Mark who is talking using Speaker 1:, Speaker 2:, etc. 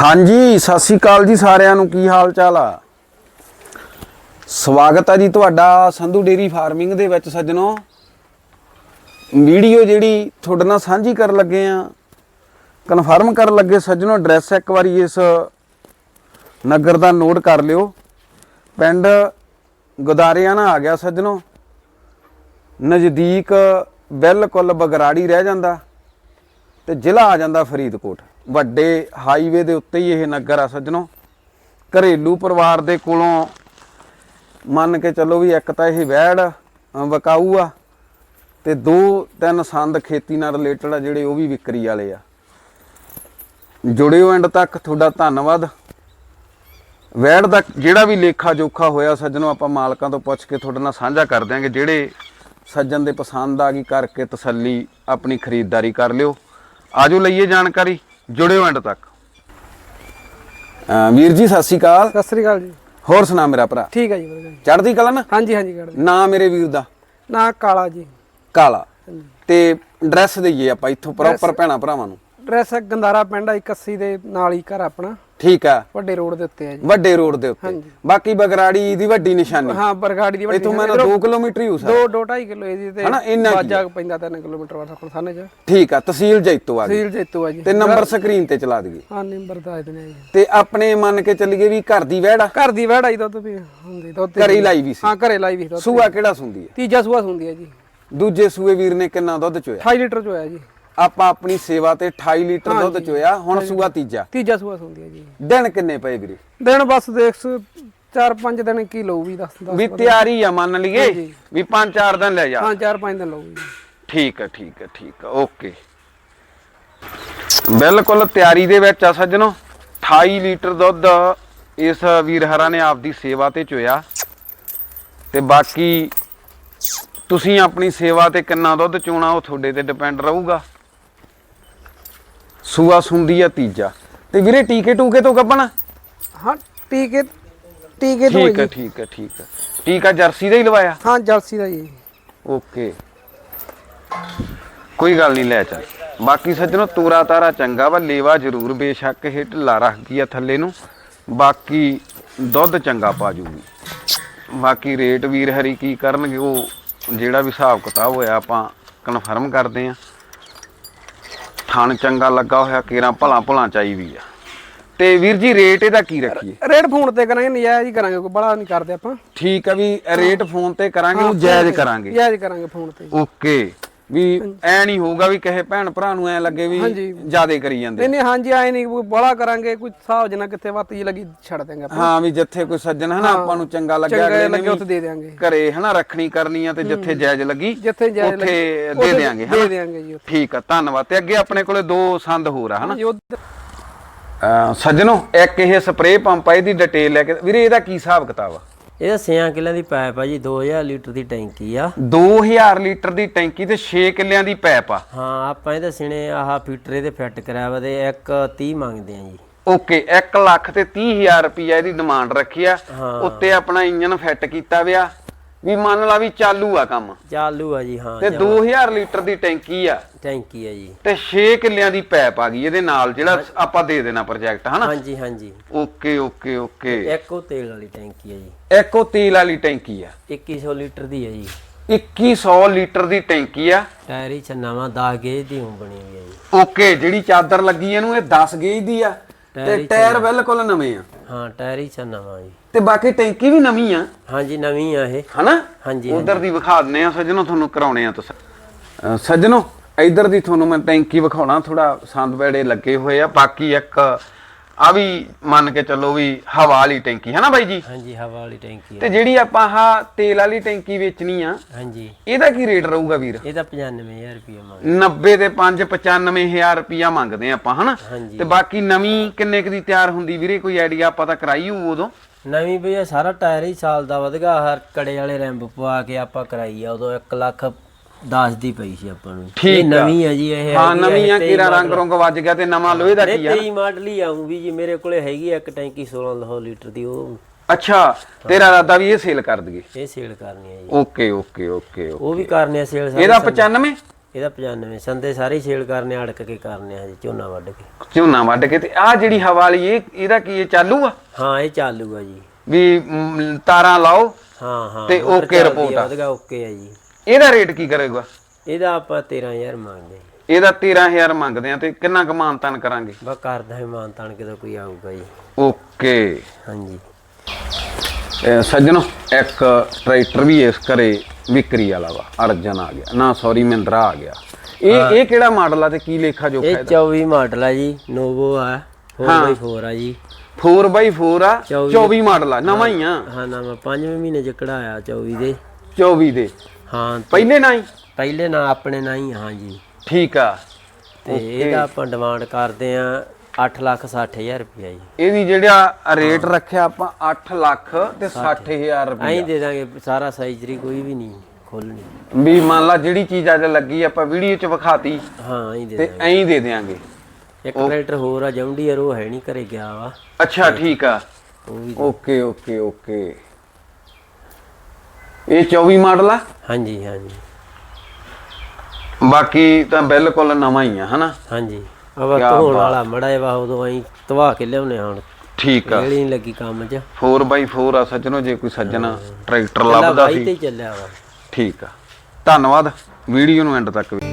Speaker 1: ਹਾਂਜੀ ਸਤਿ ਸ਼੍ਰੀ ਅਕਾਲ ਜੀ ਸਾਰਿਆਂ ਨੂੰ। ਕੀ ਹਾਲ ਚਾਲ ਆ? ਸਵਾਗਤ ਹੈ ਜੀ ਤੁਹਾਡਾ ਸੰਧੂ ਡੇਰੀ ਫਾਰਮਿੰਗ ਦੇ ਵਿੱਚ ਸੱਜਣੋ। ਵੀਡੀਓ ਜਿਹੜੀ ਤੁਹਾਡੇ ਨਾਲ ਸਾਂਝੀ ਕਰਨ ਲੱਗੇ ਆ, ਕਨਫਰਮ ਕਰਨ ਲੱਗੇ ਸੱਜਣੋ। ਐਡਰੈਸ ਇੱਕ ਵਾਰੀ ਇਸ ਨਗਰ ਦਾ ਨੋਟ ਕਰ ਲਿਓ। ਪਿੰਡ ਗੁਦਾਰਿਆਣਾ ਆ ਗਿਆ ਸੱਜਣੋ, ਨਜ਼ਦੀਕ ਬਿਲਕੁਲ ਬਗਰਾੜੀ ਰਹਿ ਜਾਂਦਾ ਤੇ ਜ਼ਿਲ੍ਹਾ ਆ ਜਾਂਦਾ ਫਰੀਦਕੋਟ। ਵੱਡੇ ਹਾਈਵੇ ਦੇ ਉੱਤੇ ਹੀ ਇਹ ਨਗਰ ਆ ਸੱਜਣੋ। ਘਰੇਲੂ ਪਰਿਵਾਰ ਦੇ ਕੋਲੋਂ ਮੰਨ ਕੇ ਚੱਲੋ ਵੀ ਇੱਕ ਤਾਂ ਇਹ ਵੈੜ ਵਿਕਾਊ ਆ ਤੇ 2-3 ਸੰਦ ਖੇਤੀ ਨਾਲ ਰਿਲੇਟਡ ਆ ਜਿਹੜੇ ਉਹ ਵੀ ਵਿਕਰੀ ਵਾਲੇ ਆ। ਜੁੜਿਓ ਐਂਡ ਤੱਕ, ਤੁਹਾਡਾ ਧੰਨਵਾਦ। ਵੈੜ ਦਾ ਜਿਹੜਾ ਵੀ ਲੇਖਾ ਜੋਖਾ ਹੋਇਆ ਸੱਜਣੋ ਆਪਾਂ ਮਾਲਕਾਂ ਤੋਂ ਪੁੱਛ ਕੇ ਤੁਹਾਡੇ ਨਾਲ ਸਾਂਝਾ ਕਰ ਦਿਆਂਗੇ। ਜਿਹੜੇ ਸੱਜਣ ਦੇ ਪਸੰਦ ਆ ਗਈ ਕਰਕੇ ਤਸੱਲੀ ਆਪਣੀ ਖਰੀਦਦਾਰੀ ਕਰ ਲਿਓ। ਆਜੋ ਲਈਏ ਜਾਣਕਾਰੀ, ਜੁੜਿਓ ਐਂਡ ਤੱਕ। ਵੀਰ ਜੀ ਸਤਿ ਸ਼੍ਰੀ ਅਕਾਲ।
Speaker 2: ਸਤਿ ਸ੍ਰੀ ਅਕਾਲ ਜੀ।
Speaker 1: ਹੋਰ ਸੁਣਾ ਮੇਰਾ ਭਰਾ?
Speaker 2: ਠੀਕ ਹੈ ਜੀ ਵਧੀਆ ਜੀ।
Speaker 1: ਚੜ੍ਹਦੀ ਕਲਾ ਨਾ?
Speaker 2: ਹਾਂਜੀ ਹਾਂਜੀ ਕਰਦੇ।
Speaker 1: ਨਾਂ ਮੇਰੇ ਵੀਰ ਦਾ?
Speaker 2: ਨਾ ਕਾਲਾ ਜੀ।
Speaker 1: ਕਾਲਾ। ਤੇ ਐਡਰੈਸ ਦਈਏ ਆਪਾਂ ਇੱਥੋਂ ਪ੍ਰੋਪਰ ਭੈਣਾ ਭਰਾਵਾਂ ਨੂੰ।
Speaker 2: ਐਡਰੈਸ ਗੰਦਾਰਾ ਪਿੰਡ 81 ਦੇ ਨਾਲ ਹੀ ਘਰ ਆਪਣਾ।
Speaker 1: ਠੀਕ ਆ,
Speaker 2: ਵੱਡੇ ਰੋਡ ਦੇ ਉੱਤੇ ਹੈ ਜੀ।
Speaker 1: ਵੱਡੇ ਰੋਡ ਦੇ ਉੱਤੇ। ਬਾਕੀ ਬਗਰਾੜੀ ਦੀ ਵੱਡੀ ਨਿਸ਼ਾਨੀ।
Speaker 2: ਹਾਂ ਬਰਗਾੜੀ ਦੀ ਵੱਡੀ।
Speaker 1: ਇਥੋਂ ਮੈਂ 2 ਕਿਲੋਮੀਟਰ ਹੀ ਹੋ ਸਕਦਾ।
Speaker 2: 2.5 ਕਿਲੋ ਇਹਦੀ ਤੇ
Speaker 1: ਹਨਾ ਇੰਨਾ
Speaker 2: ਬਾਜਾ ਪੈਂਦਾ 3 ਕਿਲੋਮੀਟਰ ਵਾਲਾ ਕੋਲ ਸਾਨੇ ਚ।
Speaker 1: ਠੀਕ ਆ, ਤਹਿਸੀਲ ਜੈਤੋ ਆ ਗਈ।
Speaker 2: ਤਹਿਸੀਲ ਜੈਤੋ ਆ ਜੀ।
Speaker 1: ਤੇ ਨੰਬਰ ਸਕਰੀਨ ਤੇ ਚਲਾ ਦਈਏ।
Speaker 2: ਹਾਂ ਨੰਬਰ ਦੱਸ ਦਿੰਦੇ ਜੀ।
Speaker 1: ਤੇ ਆਪਣੇ ਮੰਨ ਕੇ ਚੱਲੀਏ ਵੀ ਘਰ ਦੀ ਵੈੜ ਆ?
Speaker 2: ਘਰ ਦੀ ਵੈੜ ਆਈ ਦੁੱਧ ਵੀ ਹੁੰਦੀ ਦੁੱਧ
Speaker 1: ਘਰੇ ਹੀ ਲਾਈ ਵੀ ਸੀ?
Speaker 2: ਹਾਂ ਘਰੇ ਲਾਈ ਵੀ ਦੁੱਧ।
Speaker 1: ਸੂਆ ਕਿਹੜਾ ਸੁੰਦੀ ਹੈ?
Speaker 2: ਤੀਜਾ ਸੂਆ ਹੁੰਦੀ ਹੈ ਜੀ।
Speaker 1: ਦੂਜੇ ਸੂਏ ਵੀਰ ਨੇ ਕਿੰਨਾ ਦੁੱਧ ਚੋਇਆ?
Speaker 2: 28 ਲੀਟਰ ਚ ਹੋਇਆ ਜੀ।
Speaker 1: ਆਪਾਂ ਆਪਣੀ ਸੇਵਾ ਤੇ 28 ਲੀਟਰ ਦੁੱਧ ਚੋਇਆ। ਹੁਣ ਸੂਆ ਤੀਜਾ
Speaker 2: ਸੂਆ ਹੁੰਦੀ ਹੈ ਜੀ।
Speaker 1: ਦਿਨ ਕਿੰਨੇ ਪਏ ਵੀਰੇ?
Speaker 2: ਦਿਨ ਬਸ ਦੇਖ 4-5 ਦਿਨ ਕੀ ਲਊ ਵੀ 10
Speaker 1: ਵੀ ਤਿਆਰੀ ਆ ਮੰਨ ਲਈਏ ਵੀ 5-4 ਦਿਨ ਲੈ ਜਾ।
Speaker 2: ਹਾਂ 4-5 ਦਿਨ ਲਊ ਜੀ।
Speaker 1: ਠੀਕ ਆ ਠੀਕ ਆ ਠੀਕ ਆ, ਓਕੇ। ਬਿਲਕੁਲ ਤਿਆਰੀ ਦੇ ਵਿੱਚ ਆ ਸੱਜਣੋ। 28 ਲੀਟਰ ਦੁੱਧ ਇਸ ਵੀਰ ਹਰਾਂ ਨੇ ਆਪਦੀ ਸੇਵਾ ਤੇ ਚੋਇਆ। ਤੇ ਬਾਕੀ ਤੁਸੀਂ ਆਪਣੀ ਸੇਵਾ ਤੇ ਕਿੰਨਾ ਦੁੱਧ ਚੋਣਾ ਉਹ ਤੁਹਾਡੇ ਤੇ ਡਿਪੈਂਡ ਰਹੂਗਾ। ਸੂਆ ਸੁੰਦੀ ਆ ਤੀਜਾ। ਤੇ ਵੀਰੇ ਟੀਕੇ ਟੂਕੇ ਤੋਂ ਗੱਭਣਾ?
Speaker 2: ਹਾਂ ਟੀਕੇ ਤੋਂ
Speaker 1: ਠੀਕ ਆ ਠੀਕ ਆ ਠੀਕ ਆ। ਟੀਕਾ ਜਰਸੀ ਦਾ ਹੀ ਲਵਾਇਆ?
Speaker 2: ਹਾਂ ਜਰਸੀ ਦਾ ਜੀ।
Speaker 1: ਓਕੇ ਕੋਈ ਗੱਲ ਨਹੀਂ, ਲੈ ਚੱਲ। ਬਾਕੀ ਸੱਜਣੋ ਤੂਰਾ ਤਾਰਾ ਚੰਗਾ ਵਾ, ਲੇਵਾ ਜ਼ਰੂਰ ਬੇਸ਼ੱਕ ਇਹ ਢਿੱਲਾ ਰੱਖ ਗਈ ਆ ਥੱਲੇ ਨੂੰ। ਬਾਕੀ ਦੁੱਧ ਚੰਗਾ ਪਾ ਜੂਗੀ। ਬਾਕੀ ਰੇਟ ਵੀਰ ਹਰੀ ਕੀ ਕਰਨਗੇ ਉਹ ਜਿਹੜਾ ਵੀ ਹਿਸਾਬ ਕਿਤਾਬ ਹੋਇਆ ਆਪਾਂ ਕਨਫਰਮ ਕਰਦੇ ਆ। ਥਣ ਚੰਗਾ ਲੱਗਾ ਹੋਇਆ, ਕੇਰਾਂ ਭਲਾ ਭੁਲਾ ਚਾਈ ਵੀ ਆ। ਤੇ ਵੀਰ ਜੀ ਰੇਟ ਇਹਦਾ ਕੀ ਰੱਖੀਏ?
Speaker 2: ਰੇਟ ਫੋਨ ਤੇ ਕਰਾਂਗੇ, ਨਜਾਇਜ਼ ਹੀ ਕਰਾਂਗੇ, ਕੋਈ ਬੜਾ ਨਹੀਂ ਕਰਦੇ ਆਪਾਂ।
Speaker 1: ਠੀਕ ਆ ਵੀ ਰੇਟ ਫੋਨ ਤੇ ਕਰਾਂਗੇ, ਉਹ ਜਾਇਜ਼ ਕਰਾਂਗੇ।
Speaker 2: ਜਾਇਜ਼ ਕਰਾਂਗੇ ਫੋਨ ਤੇ।
Speaker 1: ਓਕੇ, ਵੀ ਐ ਨਹੀਂ ਹੋਊਗਾ ਵੀ ਕਿਸੇ ਭੈਣ ਭਰਾ ਨੂੰ ਐ ਲੱਗੇ ਵੀ ਜਿਆਦੇ ਕਰੀ ਜਾਂਦੇ।
Speaker 2: ਨਹੀਂ ਹਾਂਜੀ ਐ ਨਹੀਂ ਕੋਈ ਬੜਾ ਕਰਾਂਗੇ, ਕੋਈ ਹਿਸਾਬ ਜਨਾ ਕਿੱਥੇ ਵੱਤ ਜੀ ਲੱਗੀ ਛੱਡ ਦੇਂਗੇ ਆਪਾਂ।
Speaker 1: ਹਾਂ ਵੀ ਜਿੱਥੇ ਕੋਈ ਸੱਜਣ ਹਨਾ ਆਪਾਂ ਨੂੰ ਚੰਗਾ ਲੱਗਿਆ
Speaker 2: ਉੱਥੇ ਦੇ ਦੇਾਂਗੇ।
Speaker 1: ਘਰੇ ਹਨਾ ਰੱਖਣੀ ਕਰਨੀ ਆ ਤੇ ਜਿੱਥੇ ਜਾਇਜ਼ ਲੱਗੀ ਉੱਥੇ ਦੇ ਦੇਾਂਗੇ।
Speaker 2: ਦੇ ਦੇਾਂਗੇ ਜੀ।
Speaker 1: ਠੀਕ ਆ, ਧੰਨਵਾਦ। ਤੇ ਅੱਗੇ ਆਪਣੇ ਕੋਲੇ 2 ਸੰਦ ਹੋਰ ਆ ਹਨਾ ਸੱਜਣੋ। ਇੱਕ ਇਹ ਸਪਰੇਅ ਪੰਪ ਆ, ਇਹਦੀ ਡਿਟੇਲ ਲੈ ਕੇ ਵੀਰੇ ਇਹਦਾ ਕੀ ਹਿਸਾਬ ਕਿਤਾਬ ਆ?
Speaker 3: ਇਹਦਾ 6 ਕਿੱਲਿਆਂ ਦੀ ਪਾਈਪ ਆ ਜੀ। 2000 ਲੀਟਰ ਦੀ ਟੈਂਕੀ ਆ।
Speaker 1: 2000 ਲੀਟਰ ਦੀ ਟੈਂਕੀ ਤੇ 6 ਕਿੱਲਿਆਂ ਦੀ ਪਾਈਪ ਆ।
Speaker 3: ਹਾਂ ਆਪਾਂ ਇਹਦੇ ਸਿਣੇ ਆਹ ਫੀਟਰ ਇਹਦੇ ਫਿੱਟ ਕਰਾਇਆ ਵਾ ਤੇ 1.30 ਮੰਗਦੇ ਆ ਜੀ।
Speaker 1: ਓਕੇ, 1,30,000 ਰੁਪਈਆ ਇਹਦੀ ਡਿਮਾਂਡ ਰੱਖੀ ਆ। ਉੱਤੇ ਆਪਣਾ ਇੰਜਨ ਫਿੱਟ ਕੀਤਾ ਵਿਆ ਵੀ ਮੰਨ ਲਾ ਵੀ ਚਾਲੂ ਆ ਕੰਮ।
Speaker 3: ਚਾਲੂ ਆ ਜੀ। ਹਾਂ
Speaker 1: ਤੇ 2000 ਲੀਟਰ ਦੀ ਟੈਂਕੀ ਆ।
Speaker 3: ਟੈਂਕੀ ਆ ਜੀ।
Speaker 1: ਤੇ 6 ਕਿੱਲਿਆਂ ਦੀ ਪਾਈਪ ਆ ਗਈ ਇਹਦੇ ਨਾਲ, ਜਿਹੜਾ ਆਪਾਂ ਦੇ ਦੇਣਾ ਪ੍ਰੋਜੈਕਟ ਹਨਾ।
Speaker 3: ਹਾਂਜੀ ਹਾਂਜੀ।
Speaker 1: Okay okay okay.
Speaker 3: ਇੱਕ ਉਹ ਤੇਲ ਵਾਲੀ ਟੈਂਕੀ ਆ ਜੀ।
Speaker 1: ਇੱਕ ਉਹ ਤੇਲ ਵਾਲੀ ਟੈਂਕੀ ਆ।
Speaker 3: 2100 ਲੀਟਰ ਦੀ ਆ ਜੀ।
Speaker 1: 2100 ਲੀਟਰ ਦੀ ਟੈਂਕੀ ਆ।
Speaker 3: ਟਾਇਰ ਹੀ ਨਵਾਂ 10 ਗੇਜ ਦੀ ਬਣੀ ਹੋਈ ਆ ਜੀ।
Speaker 1: ਓਕੇ, ਜਿਹੜੀ ਚਾਦਰ ਲੱਗੀ ਇਹਨੂੰ ਇਹ 10 ਗੇਜ ਦੀ ਆ ਤੇ ਟਾਇਰ ਬਿਲਕੁਲ ਨਵੇਂ ਆ।
Speaker 3: ਹਾਂ ਟਾਇਰ ਹੀ ਨਵਾਂ ਜੀ।
Speaker 1: ਤੇ ਬਾਕੀ ਟੈਂਕੀ ਵੀ ਨਵੀਂ ਆ।
Speaker 3: ਹਾਂਜੀ ਨਵੀਂ ਆ ਇਹ
Speaker 1: ਹਨਾ।
Speaker 3: ਹਾਂਜੀ
Speaker 1: ਉਧਰ ਦੀ ਵਿਖਾ ਦਿੰਨੇ ਆ ਸੱਜਣੋ, ਤੁਹਾਨੂੰ ਕਰਾਉਣੇ ਆ ਤੁਸੀਂ ਸੱਜਣੋ। ਇਧਰ ਦੀ ਤੁਹਾਨੂੰ ਮੈਂ ਟੈਂਕੀ ਵਿਖਾਉਣਾ, ਥੋੜਾ ਸੰਦ ਬੈੜੇ ਲੱਗੇ ਹੋਏ ਆ। ਬਾਕੀ ਇੱਕ ਆ ਵੀ ਮੰਨ ਕੇ ਚੱਲੋ ਵੀ ਹਵਾ ਵਾਲੀ ਟੈਂਕੀ ਹੈ ਨਾ ਬਾਈ ਜੀ?
Speaker 3: ਹਾਂਜੀ ਹਵਾ ਵਾਲੀ ਟੈਂਕੀ।
Speaker 1: ਤੇ ਜਿਹੜੀ ਆਪਾਂ ਆਹ ਤੇਲ ਵਾਲੀ ਟੈਂਕੀ ਵੇਚਣੀ ਆ,
Speaker 3: ਹਾਂਜੀ
Speaker 1: ਇਹਦਾ ਕੀ ਰੇਟ ਰਹੂਗਾ ਵੀਰ?
Speaker 3: ਇਹਦਾ 95000 ਰੁਪਏ ਮੰਗਦੇ।
Speaker 1: 90 ਦੇ 5 95000 ਰੁਪਇਆ ਮੰਗਦੇ ਆਪਾਂ ਹਨਾ।
Speaker 3: ਹਾਂਜੀ।
Speaker 1: ਤੇ ਬਾਕੀ ਨਵੀਂ ਕਿੰਨੇ ਕੁ ਦੀ ਤਿਆਰ ਹੁੰਦੀ ਵੀਰੇ, ਕੋਈ ਆਈਡੀਆ? ਆਪਾਂ ਤਾਂ ਕਰਾਈ ਹੋਊ ਉਦੋਂ।
Speaker 3: ਨਵੀਂ ਬਈ ਸਾਰਾ ਟਾਇਰ ਹੀ ਸਾਲ ਦਾ ਵਧਗਾ। ਹਰ ਕੜੇ ਵਾਲੇ ਰੈਂਪ ਪਵਾ ਕੇ ਆਪਾਂ ਕਰਾਈ ਆ ਉਦੋਂ 1,10,000 ਦੀ ਪਈ ਸੀ ਆਪਾਂ ਨੂੰ। ਇਹ ਨਵੀਂ ਆ ਜੀ। ਇਹ
Speaker 1: ਹਾਂ ਨਵੀਂ ਆ, ਕੀਰਾ ਰੰਗ ਰੰਗ ਵੱਜ ਗਿਆ ਤੇ ਨਵਾਂ ਲੋਹੇ ਦਾ ਕੀ ਆ?
Speaker 3: 23 ਮਾਡਲ ਹੀ ਆਉਂ ਵੀ ਜੀ। ਮੇਰੇ ਕੋਲੇ ਹੈਗੀ ਆ ਇੱਕ ਟੈਂਕੀ 16 ਲੀਟਰ ਦੀ। ਉਹ
Speaker 1: ਅੱਛਾ, ਤੇਰਾ ਇਰਾਦਾ ਵੀ ਇਹ ਸੇਲ ਕਰ ਦਈਏ?
Speaker 3: ਇਹ ਸੇਲ ਕਰਨੀ ਆ ਜੀ।
Speaker 1: Okay okay okay.
Speaker 3: ਉਹ ਵੀ ਕਰਨੇ ਆ ਸੇਲ।
Speaker 1: ਇਹਦਾ 95
Speaker 3: ਇਹਦਾ 95 ਸੰਦੇ ਸਾਰੇ ਸੇਲ ਕਰਨੇ ਅੜਕ ਕੇ ਕਰਨੇ ਆ ਜੀ ਝੋਨਾ ਵੱਢ ਕੇ।
Speaker 1: ਝੋਨਾ ਵੱਢ ਕੇ ਤੇ ਆਹ ਜਿਹੜੀ ਹਵਾ ਵਾਲੀ ਇਹਦਾ ਕੀ ਇਹ ਚਾਲੂ ਆ?
Speaker 3: ਹਾਂ ਇਹ ਚਾਲੂਗਾ ਜੀ।
Speaker 1: ਵੀ ਤਾਰਾਂ ਲਾਓ
Speaker 3: ਹਾਂ
Speaker 1: ਤੇ ਓਕੇ ਰਿਪੋਰਟ ਆ?
Speaker 3: ਵਧਗਾ ਓਕੇ ਆ ਜੀ।
Speaker 1: ਇਹਦਾ ਰੇਟ ਕੀ ਕਰੇਗਾ?
Speaker 3: ਇਹਦਾ ਆਪਾਂ 13000 ਮੰਗਦੇ।
Speaker 1: ਇਹਦਾ 13000 ਮੰਗਦੇ ਆ ਤੇ ਕਿੰਨਾ ਕੁ ਮਾਨਤਾਨ ਕਰਾਂਗੇ?
Speaker 3: ਬਸ ਕਰਦਾ ਹੀ ਮਾਨਤਾਨ ਕਿਦੋਂ ਕੋਈ ਆਊਗਾ ਜੀ।
Speaker 1: ਓਕੇ
Speaker 3: ਹਾਂਜੀ
Speaker 1: ਸੱਜਣੋ, ਇੱਕ ਟਰੈਕਟਰ ਵੀ ਇਸ ਘਰੇ ਵਿਕਰੀ ਵਾਲਾ ਵਾ, ਅਰਜਨ ਆ ਗਿਆ ਨਾ, ਸੌਰੀ ਮਹਿੰਦਰਾ ਆ ਗਿਆ। ਇਹ ਕਿਹੜਾ ਮਾਡਲ ਆ ਤੇ ਕੀ ਲੇਖਾ ਜੋਖਾ
Speaker 3: ਇਹ
Speaker 1: ਇਹਦਾ?
Speaker 3: 24 ਮਾਡਲ ਆ ਜੀ, ਨੋਵੋ ਆ 4x4 ਆ ਜੀ।
Speaker 1: 4x4 ਆ, 24 ਮਾਡਲ ਆ, ਨਵਾਂ ਹੀ ਆ।
Speaker 3: ਹਾਂ ਨਵਾਂ 5ਵੇਂ ਮਹੀਨੇ ਚ ਕਢਾਇਆ 24 ਦੇ।
Speaker 1: 24 ਦੇ
Speaker 3: ਹਾਂ
Speaker 1: ਪਹਿਲੇ ਨਾ ਹੀ?
Speaker 3: ਪਹਿਲੇ ਨਾ ਆਪਣੇ ਨਾ ਹੀ। ਹਾਂ ਜੀ
Speaker 1: ਠੀਕ ਆ।
Speaker 3: ਤੇ ਇਹਦਾ ਆਪਾਂ ਡਿਮਾਂਡ ਕਰਦੇ ਆ 8,60,000 ਰੁਪਇਆ ਜੀ।
Speaker 1: ਇਹਦੀ ਜਿਹੜਾ ਰੇਟ ਰੱਖਿਆ ਆਪਾਂ 8 ਲੱਖ ਤੇ 60,000 ਰੁਪਏ।
Speaker 3: ਐਂ ਦੇ ਦਾਂਗੇ ਸਾਰਾ ਸਾਈਜ਼ਰੀ, ਕੋਈ ਵੀ ਨਹੀਂ ਖੋਲਣੀ।
Speaker 1: ਵੀ ਮੰਨ ਲਾ ਜਿਹੜੀ ਚੀਜ਼ ਅੱਜ ਲੱਗੀ ਆਪਾਂ ਵੀਡੀਓ 'ਚ ਵਿਖਾਤੀ
Speaker 3: ਹਾਂ ਐਂ ਦੇ
Speaker 1: ਤੇ
Speaker 3: ਦਾਂਗੇ।
Speaker 1: ਐਂ ਦੇ ਦੇਾਂਗੇ।
Speaker 3: ਇੱਕ ਟਰੈਕਟਰ ਹੋਰ ਆ ਜੌਂਡੀਅਰ, ਉਹ ਹੈ ਨਹੀਂ ਘਰੇ ਗਿਆ ਵਾ।
Speaker 1: ਅੱਛਾ ਠੀਕ ਆ।
Speaker 3: ਉਹ ਵੀ
Speaker 1: ਓਕੇ ਓਕੇ ਓਕੇ। ਇਹ 24 ਮਾਡਲ ਆ?
Speaker 3: ਹਾਂਜੀ ਹਾਂਜੀ
Speaker 1: ਬਾਕੀ ਤਾਂ ਬਿਲਕੁਲ ਨਵਾਂ ਹੀ ਆ ਹਨਾ?
Speaker 3: ਹਾਂਜੀ ਆਵਾ ਧੋਣ ਵਾਲਾ ਮੜਾ ਵਾ, ਉਦੋਂ ਐਂ ਧਵਾ ਕੇ ਲਿਆਉਣੇ ਹੁਣ।
Speaker 1: ਠੀਕ ਆ।
Speaker 3: ਜਿਹੜੀ ਨਹੀਂ ਲੱਗੀ ਕੰਮ 'ਚ।
Speaker 1: 4x4 ਆ ਸੱਜਣੋ, ਜੇ ਕੋਈ ਸੱਜਣਾ ਟਰੈਕਟਰ ਲੱਭਦਾ
Speaker 3: ਬਾਈ
Speaker 1: ਸੀ।
Speaker 3: ਤੇ ਚੱਲਿਆ ਵਾ।
Speaker 1: ਠੀਕ ਆ, ਧੰਨਵਾਦ ਵੀਡੀਓ ਨੂੰ ਐਂਡ ਤੱਕ